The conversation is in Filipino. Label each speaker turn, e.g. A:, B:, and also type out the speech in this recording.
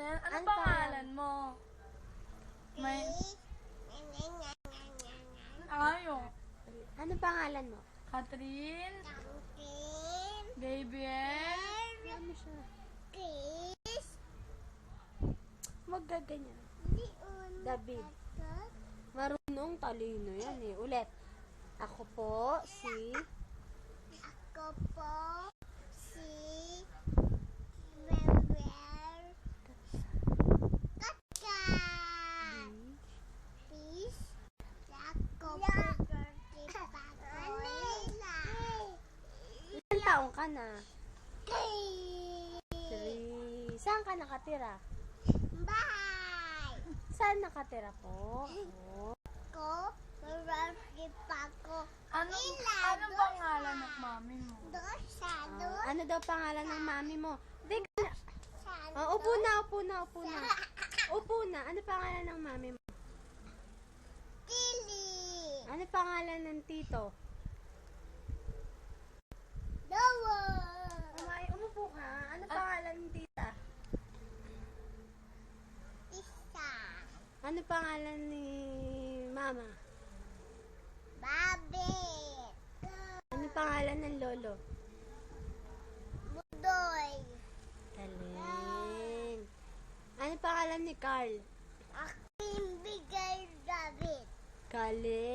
A: yan? Ano pangalan mo? May... Ayo.
B: Ano pangalan mo?
A: Catherine? Gabriel?
B: Ano siya? Maggaganyan. David. Marunong talino yan eh. Ulit. Ako po si... Ilan taong ka na? 3. Saan ka nakatira? Saan nakatira po?
A: Ano pangalan ng mami mo?
B: Ano daw pangalan ng mami mo? Di ka na. Upo na. Upo na. Ano pangalan ng mami mo? Ano pangalan ng tito? Umay, umupo ka. Ano pangalan ng tita? Ano pangalan ni mama? Ano pangalan ng lolo? Galing. Ano pangalan ni Carl? Galing.